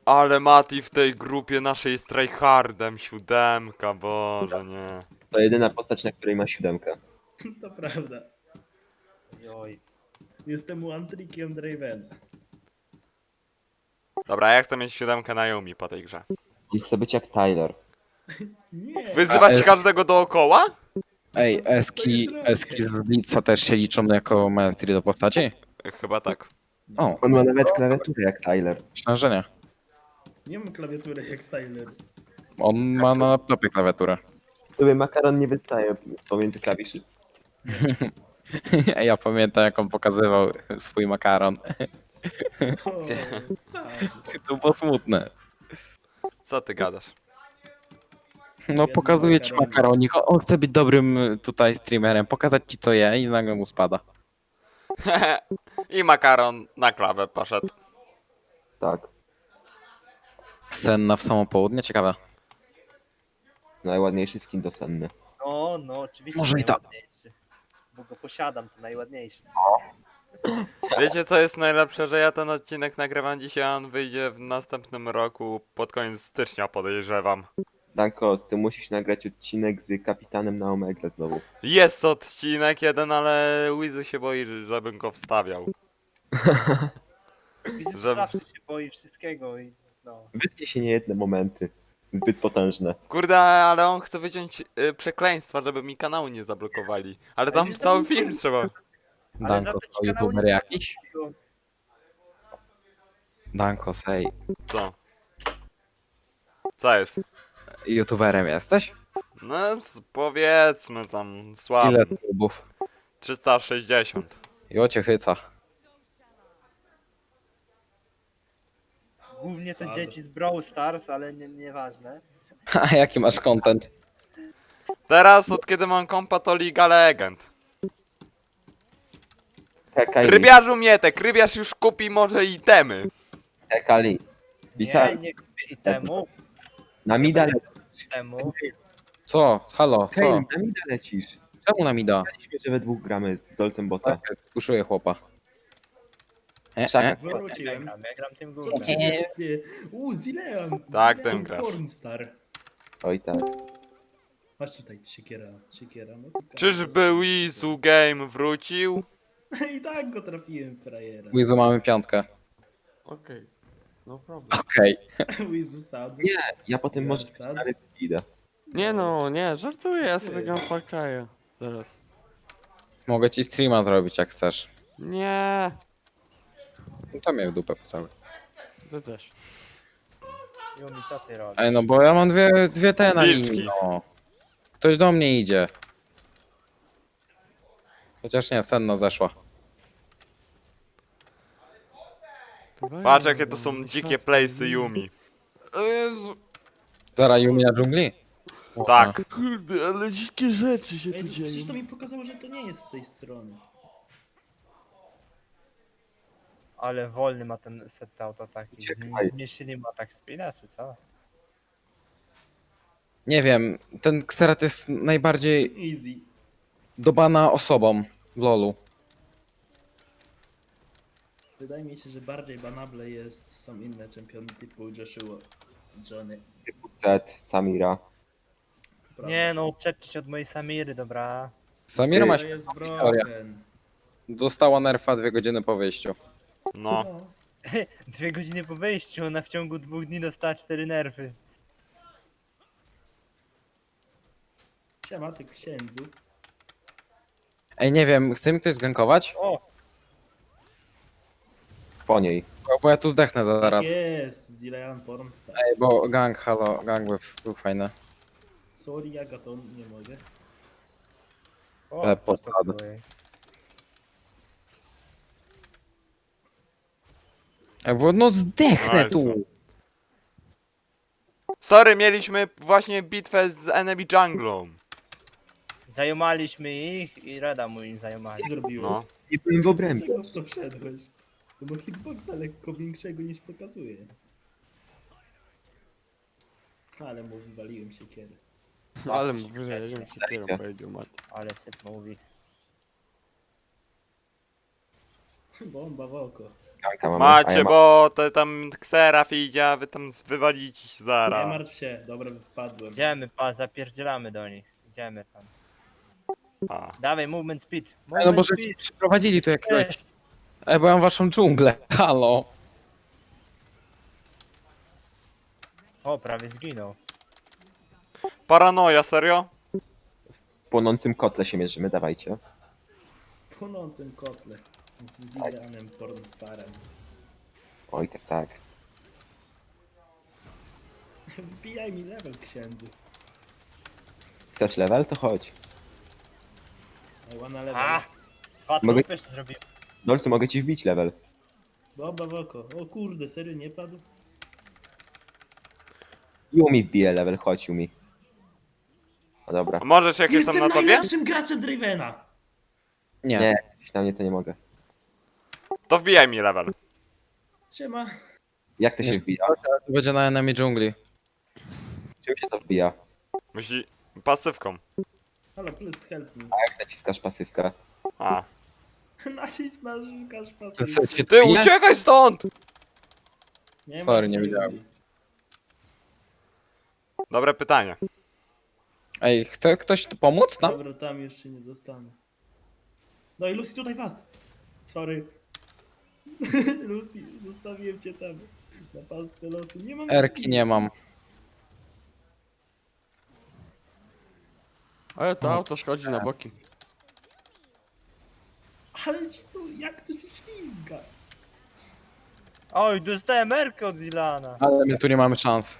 Ale Mati w tej grupie naszej jest tryhardem, 7, boże nie. To jedyna postać, na której ma 7. To prawda. Joj. Jestem one-trickiem Dravena. Dobra, ja chcę mieć 7 na Yumi po tej grze. On chce być jak Tyler. Nie. Wyzywać każdego dookoła? Ej, To jest eski z Blitza też się liczą jako maestry do postaci? Chyba tak. O, On ma nawet klawiaturę jak Tyler. myślę, że nie. Nie mam klawiatury jak Tyler. On ma na laptopie klawiaturę. Sobie makaron nie wystaje pomiędzy klawiszy. Ja pamiętam, jak on pokazywał swój makaron. O, sad. To było smutne. Co ty gadasz? No Biedny pokazuje ci makaronik. makaronik. On chce być dobrym tutaj streamerem, pokazać ci co je i nagle mu spada. I makaron na klawę poszedł. Tak. Senna w samo południe, ciekawe. Najładniejszy skin do senny. No, oczywiście Może i tak. najładniejszy. Bo go posiadam, to najładniejszy. Wiecie co jest najlepsze, że ja ten odcinek nagrywam dzisiaj, a on wyjdzie w następnym roku pod koniec stycznia, podejrzewam. Danko, ty musisz nagrać odcinek z kapitanem na Omegle znowu. Jest odcinek jeden, ale Wizu się boi, żebym go wstawiał. Widzę, Że- zawsze się boi wszystkiego i no. Wytnie się niejedne momenty. Zbyt potężne. Kurde, ale on chce wyciąć przekleństwa, żeby mi kanału nie zablokowali. Ale tam nie cały zablokują. film trzeba. Ale Danko, za to to ci kanał youtuber nie jakiś? zablokuje. Danko, hej. Co? Co jest? YouTuberem jesteś? No powiedzmy tam słabo. Ile subów? 360. Jo cię chyca. Głównie to Sad. dzieci z Brawl Stars, ale nieważne. A jaki masz content? Teraz od kiedy mam kompa to Liga Legend. Hekali. Rybiarzu Mietek, rybiarz już kupi może itemy. Hekali. Bisa, Nie kupię i temu, na mida temu. Co? Halo, Hej, co? na mida lecisz. Czemu nam da? Myślę, że we dwóch gramy z Dolcem Bota. Tak, skuszuję chłopa. Szaka. Wróciłem. Ja gram tym Co głównym. to się dzieje? Zilean. Tak, Zilean tym grasz. Pornstar. Oj tak. Patrz tutaj, siekiera. No to Czyżby Wizu Game wrócił? I tak go trafiłem, frajera. Wizu mamy piątkę. Okej, no problem. Okej. Wizu sad. Nie, ja potem może Sad. ale idę. Nie no, nie, żartuję, ja sobie gram Far Cry'a. Zaraz. Mogę ci streama zrobić jak chcesz. Nie, No to mnie w dupę cały. ty też. Yumi, co ty robisz? Ej, no bo ja mam dwie te na Wilczki. linii, no. Ktoś do mnie idzie. Chociaż nie, Senna zeszła. Patrz jakie to są dzikie playsy Yumi. O Jezu, Zara Yumi na dżungli? Tak. kurde, ale dzikie rzeczy się Ej, tu przecież dzieją. to mi pokazało, że to nie jest z tej strony. Ale wolny ma ten set auto taki. Uciekaj. Zmniejszyli mu atak speeda, czy co? Nie wiem, ten Xerath jest najbardziej Easy. dobana osobą w lolu. Wydaje mi się, że bardziej banable są inne czempiony typu Joshua, Johnny. Z, Samira. Prawda? Nie no, odczepcie się od mojej Samiry, dobra. Samira ma To jest historię. broken. Dostała nerfa 2 godziny po wyjściu. No. 2 godziny po wejściu, ona w ciągu 2 dni dostała 4 nerwy. Siema, ty księdzu. Ej, nie wiem, chce mi ktoś zgankować? O! Po niej. Bo ja tu zdechnę zaraz. Tak jest, Zilean Pornstar. Ej, bo gang, halo, gang był fajny. Sorry, Agaton, nie mogę. O, Ale co to posady. było? Ej, bo no zdechnę Nice. tu! Sorry, mieliśmy właśnie bitwę z enemy junglą. Zajomaliśmy ich i Reda mu im Co zajomali. ty zrobiłeś? No. Nie byłem w obrębie. Dlaczego w to wszedłeś? To ma hitboxa lekko większego niż pokazuje. Ale mu wywaliłem siekierę. Ale Babci mówię, że ja grzecznie. wiem, czy kierą powiedział Mati. Ale syp mówi. Bomba w oko. Ganka mamy, a Macie, ja mam... bo to tam Xeraf idzie, a wy tam wywalicie się Nie zaraz. martw się, dobra, wpadłem. Idziemy, zapierdzielamy do nich. Idziemy tam. A. Dawaj, movement speed. No Movement bo żeście przyprowadzili tu jakiegoś... bo ja mam waszą dżunglę. Halo. O, prawie zginął. Paranoja, serio? W płonącym kotle się mierzymy, dawajcie. W płonącym kotle. Z Zidanem pornstarem. Oj, tak, tak. Wbijaj mi level, księdzu. Chcesz level? To chodź. I wanna level. A! Patrz, Mogę- też zrobił. Dolcu, mogę ci wbić level. Boba w oko. O kurde, serio nie padł? Yumi wbije level, chodź Yumi. No dobra. A możesz jak jestem na tobie? najlepszym graczem Dravena! Nie. Nie, jak jesteś na mnie, to nie mogę. To wbijaj mi level. Siema. Jak to się Nie. wbija? To będzie na enemy dżungli. Czym się to wbija? Musi... pasywką. Halo, please help me. Jak naciskasz pasywkę? A. Nacisk na żółkasz To pasy. co, cię Ty, bije? uciekaj stąd! Nie Sorry, martw nie się, wiedziałem. Yuri. Dobre pytanie. Ej, chce ktoś tu pomóc nam? Dobra, tam już się nie dostanę. No i Lucy, tutaj fast! Sorry. Lucy, zostawiłem cię tam. Na pastwę losu. Nie mam Erki Lucy. nie mam. Ale to auto schodzi na boki. Ale ci tu, jak to się ślizga? Oj, dostałem Erkę od Zilana. Ale my tu nie mamy szans.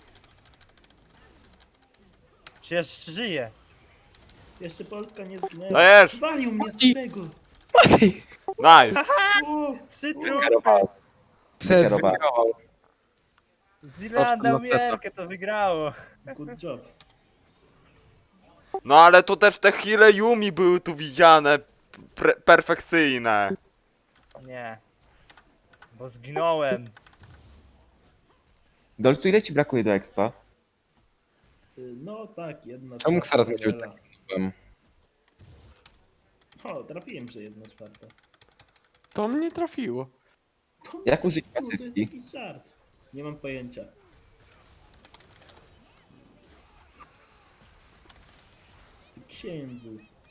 Czy jeszcze żyje? Jeszcze Polska nie zginęła. Dajesz! Walił mnie z tego! Nice! O, 3 Kierował. Set Kierowa. wygrał. Zilan dał mi Prosto na Erkę, to wygrało. good job. No ale tu też te heale Yumi były tu widziane. Perfekcyjne. Nie. Bo zginąłem. Dolcu, ile ci brakuje do expa? No tak, jedna Czemu czwarta Xerath musi być levela. Byłem. O, trafiłem, że jedna czwarta. To mnie trafiło. To, Jak użyć to jest pasywki? jakiś żart. Nie mam pojęcia. Ty księdzu.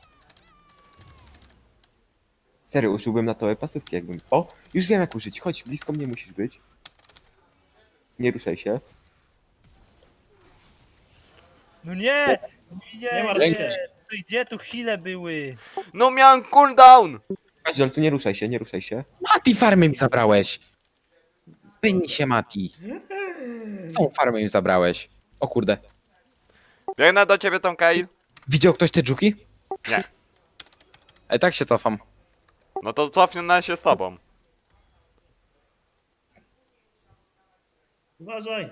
Serio, użyłbym na to pasywki jakbym... O! Już wiem jak użyć, chodź, blisko mnie musisz być. Nie ruszaj się. No nie! Nie martw Nie, się. to gdzie tu chwile były? No miałem cooldown! Chodź, Dolcu, nie ruszaj się, nie ruszaj się. Mati, farmę mi zabrałeś. Spędź się, Mati. Tą farmę mi zabrałeś. O kurde. Biegnę do ciebie, Tom Kyle. Widział ktoś te dżuki? Nie. Ej, tak się cofam. No to cofnę się z tobą. Uważaj!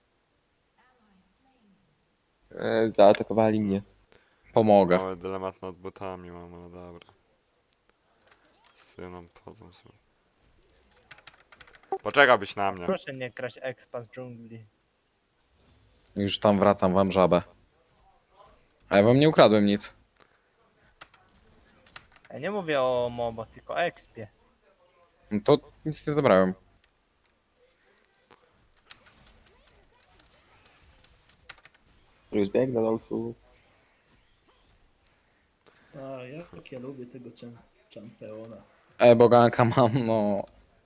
Zaatakowali mnie. Pomogę. Mały dylemat nad butami mam, ale dobra. Synom potem sobie. Poczekałbyś na mnie. Proszę nie kraść expa z dżungli. Już tam wracam wam żabę. A ja wam nie ukradłem nic. Ja nie mówię o MOBO, tylko o expie. No to nic nie zabrałem. Już biegnę, Dolcu. A, jak ja lubię tego czampeona. Boganka mam, no.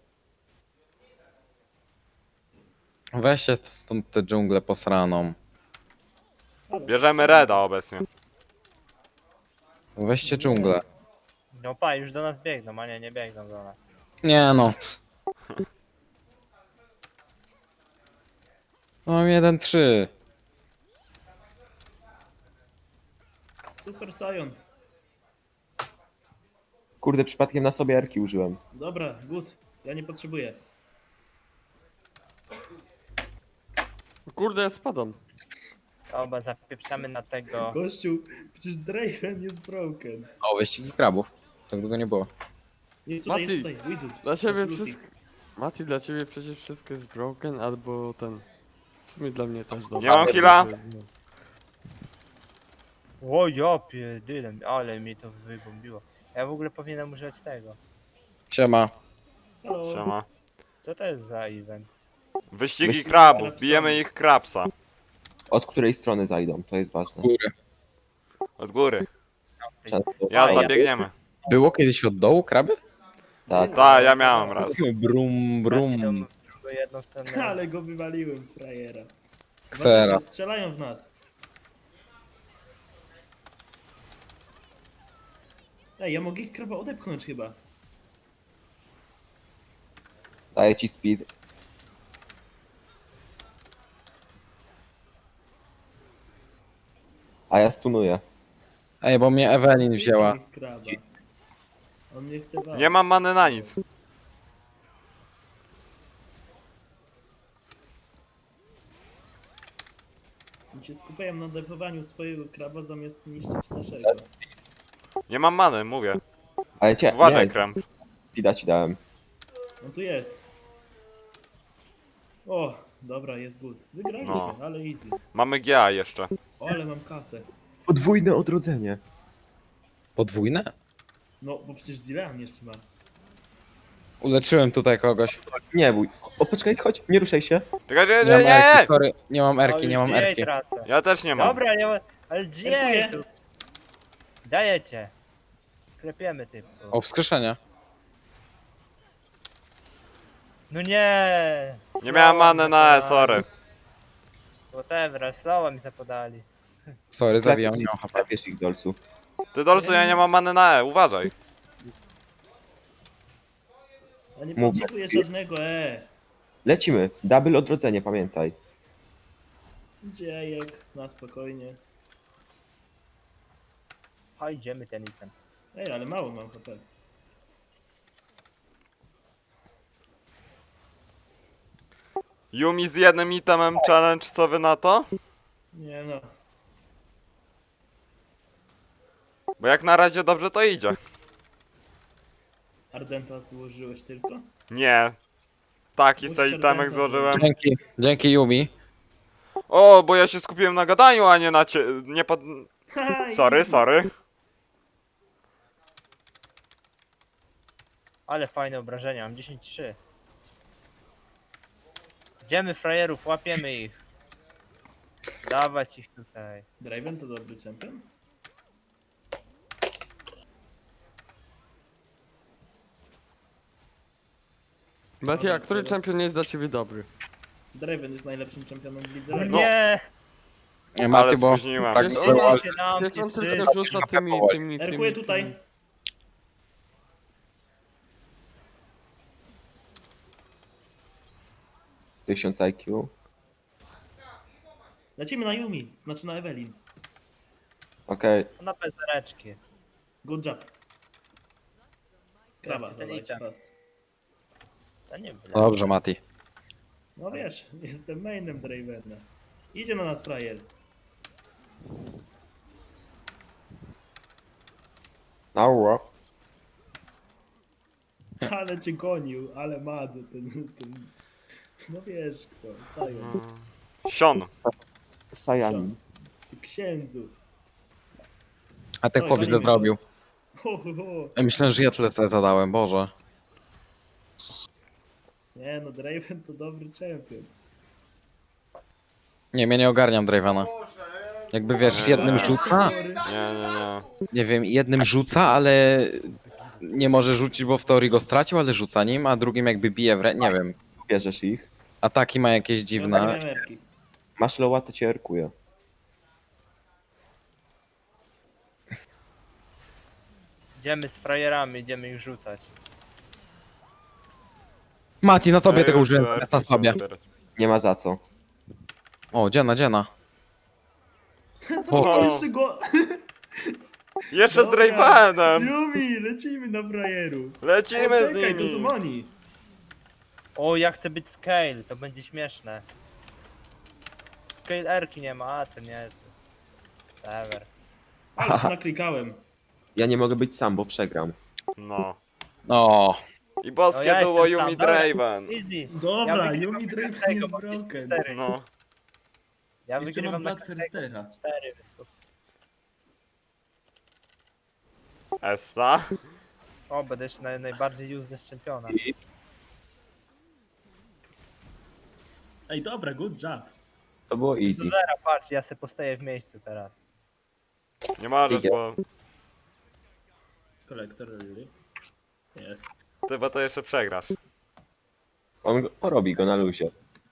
Weźcie stąd tę dżunglę posraną. Bierzemy Reda obecnie. Weźcie dżunglę. No pa, już do nas biegną, a nie biegną do nas. Nie no. Mam 1-3. Super Sion. Kurde, przypadkiem na sobie erki użyłem. Dobra, good. Ja nie potrzebuję. Kurde, ja spadam. Oba zapieprzamy na tego. Gościu, przecież Draven jest broken. O, wyścigi krabów. Tak długo nie było. Jest tutaj, jest Mati, tutaj, Wizard. Dla ciebie Lucy. wszystko... Mati, dla ciebie przecież wszystko jest broken, albo ten... W sumie dla mnie też Nie mam heala. O ja pierdyle, ale mi to wybombiło. Ja w ogóle powinienem używać tego. Siema. Halo. Siema. Co to jest za event? Wyścigi Wyścigi krabów, krabsami. bijemy ich krabsa. Od której strony zajdą, to jest ważne. Góry. Od góry. Często. Jazda, ja- biegniemy. Było kiedyś od dołu kraby? Tak. Tak, ja miałem raz. Brum, Brum. brum. Jedną stronę. Ale go wywaliłem, frajera. Ksera. Uważajcie, strzelają w nas. Ej, ja mogę ich kraba odepchnąć chyba. Daję ci speed. A ja stunuję. Ej, bo mnie Ewelin wzięła. Ich kraba. On nie chce walczyć. Nie mam many na nic. Oni się skupiają na defowaniu swojego kraba zamiast niszczyć naszego. Nie mam many, mówię. Ale cię, Uważaj, nie, krem. speeda ci dałem. On tu jest. O, dobra, jest good. Wygraliśmy, No. ale easy. Mamy GA jeszcze. O, ale mam kasę. Podwójne odrodzenie. Podwójne? No, bo przecież Zilean jeszcze ma. Uleczyłem tutaj kogoś. Nie bój. O, poczekaj, chodź, nie ruszaj się. Czekaj, nie, Nie mam nie, erki, nie! sorry. Nie mam O, erki, już nie mam GA erki. tracę. Ja też nie mam. Dobra, nie ma... Ale GA Dziękuję. tu. Dajecie. Klepiemy typu. O, wskrzeszenie. No nie! Nie miałem many na E, sorry. Whatever, slowa mi zapodali. Sorry, zabijam, nie mam HP. Zabierz ich, Dolcu. Ty Dolcu, ja nie mam many na E, uważaj. A nie Mów. potrzebuję żadnego, Lecimy. Double odrodzenie, pamiętaj. Dziejek, na spokojnie. A idziemy ten item. Ej, ale mało mam HP. Yumi z jednym itemem challenge, co wy na to? Nie no. Bo jak na razie dobrze to idzie. Ardenta złożyłeś tylko? Nie. Taki Musisz se itemek Ardenta złożyłem. Dzięki Yumi. O, bo ja się skupiłem na gadaniu, a nie na nie pod... Haha, Sorry, easy. sorry. Ale fajne obrażenia, mam 10-3. Idziemy frajerów, łapiemy ich. Dawać ich tutaj. Draven to dobry champion? Macie, a który teraz- champion jest dla ciebie dobry? Draven jest najlepszym championem w lidze. O Lego. nie! Nie, Ale Maty, bo spóźniłem. tak Jest było, on- Idziecie nam, Wiesz, on ty tylko wszyscy. rzuca tymi... Erkuję tutaj. - 1000 IQ. Lecimy na Yumi, znaczy na Evelyn. Okej. Na pezereczki jest. Good job. Kraba, Ten dawajcie item. fast. To nie byle. Dobrze, Mati. No wiesz, jestem mainem Dravena. Idzie na nas frajer. Ała. Ale cię gonił, ale mad ten... No wiesz kto, Sion. Sion. Sajanin. Ty księdzu. A ten Oj, chłop źle gonimy zrobił. Ho, ho, ho. Ja myślę, że ja tyle sobie zadałem, Boże. Nie no, Draven to dobry champion. Nie, ja nie ogarniam Dravena. Jakby wiesz, jednym rzuca, Nie, nie, nie. nie wiem, jednym rzuca, ale nie może rzucić, bo w teorii go stracił, ale rzuca nim, a drugim jakby bije w nie wiem. Bierzesz ich. Ataki ma jakieś Ja nie dziwne. miałem erki. Masz loła, to cię erkuję. Idziemy z frajerami, idziemy ich rzucać. Mati, na tobie Ja tego już użyłem, tu zamiast erki na sobie. chcę zbierać. Nie ma za co. O, dziena. Zapaliście go! Jeszcze z Dobra. Dravenem! Yumi, lecimy na frajerów. Lecimy z Czekaj, to są nimi! oni. O, ja chcę być scale, to będzie śmieszne. Scale erki nie ma, a ten nie. Whatever. Ale się naklikałem. Ja nie mogę być sam, bo przegram. No. O, I boskie ja duo jestem sam, Yumi dobra. Draven. Easy. Dobra, wygrywam Yumi Draven każdego, jest bo broken. 54. No. Ja Jeszcze wygrywam mam na Blood każdego Firstera. 4, więc... Essa. O, będę jeszcze najbardziej useless czempiona. Ej, dobra, good job. To było Do easy. zera, patrz, ja se postoję w miejscu teraz. Nie możesz, Idzie. bo Kolektor, really? Jest. ty bo to jeszcze przegrasz. Porobi go na luzie.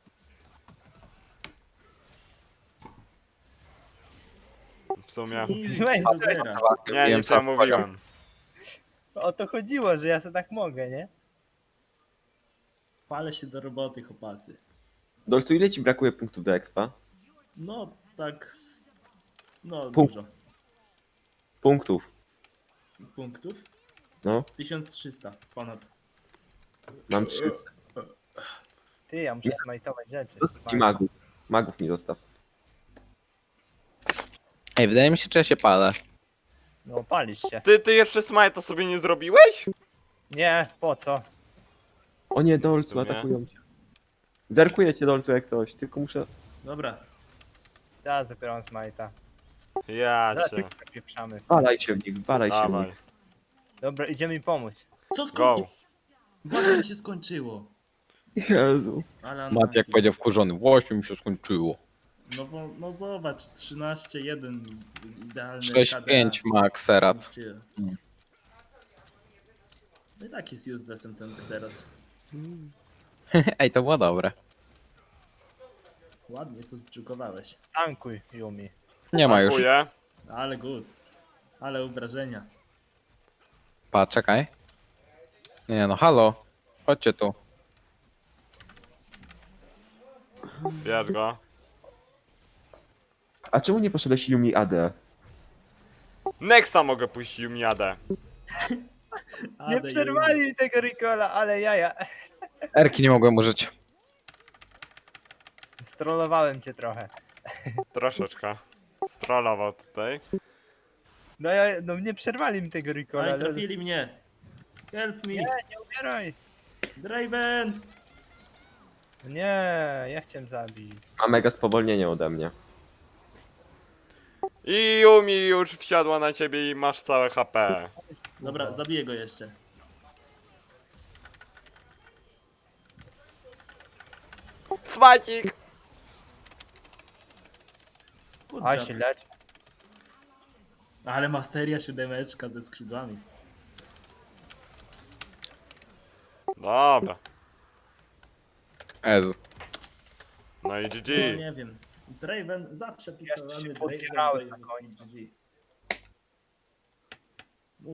W sumie. Easy, Weź, do zera. Nie, nic nie mówiłem. O to chodziło, że ja se tak mogę, nie? Palę się do roboty, chłopacy. Dolcu, ile ci brakuje punktów do expa? No, tak... No, Punkt. dużo. Punktów. Punktów? No, 1300 ponad. mam 300. Ty, ja muszę smajtować rzeczy. I magów. Magów mi zostaw. Ej, wydaje mi się, że ja się palę. No, palisz się. Ty jeszcze smajta sobie nie zrobiłeś? Nie, po co? O nie, W Dolcu, sumie. atakują cię. Zerkuję cię, Dolcu, jak coś, tylko muszę... Dobra. Teraz dopiero mam smajta. Ja Zaraz cię. się pieprzamy. Walaj się w nich, walaj się w Dawaj. nich. Dobra, idziemy mi pomóc. Co Go. skończyło? Właśnie mi się skończyło. Jezu. Ale Mat jak powiedział wkurzony, właśnie mi się skończyło. No bo, no zobacz, 13-1 idealny 6-5 ma Xerath. Zniszczyłem. Mm. No i tak jest uselessem ten Xerath. Ej, to było dobre. Ładnie to zdżukowałeś. Tankuj, Yumi. Nie ma już. Dziękuję. Ale good. Ale obrażenia. Pa, czekaj. Nie no, halo. Chodźcie tu. Bierz go. A czemu nie poszedłeś Yumi AD? Nexta mogę puścić Jumiadę. Nie Ade, przerwali mi tego Ricola, ale jaja. Erki nie mogłem użyć. Strollowałem cię trochę. Troszeczkę. Strollował tutaj. No ja, no nie przerwali mi tego Ricola, Aj, ale... trafili mnie. Help me. Nie, nie umieraj. Draven! Nie, ja chciałem zabić. Ma mega spowolnienie ode mnie. I Yumi już wsiadła na ciebie i masz całe HP. Dobra, zabiję go jeszcze. Smacik! Good A job. się lecz. Ale masteria 7 ze skrzydłami. Dobra. Ezu. No i No GG. nie wiem. Draven zawsze Jeszcze się pikowany podbierałem Draven na to końcu. jest GG.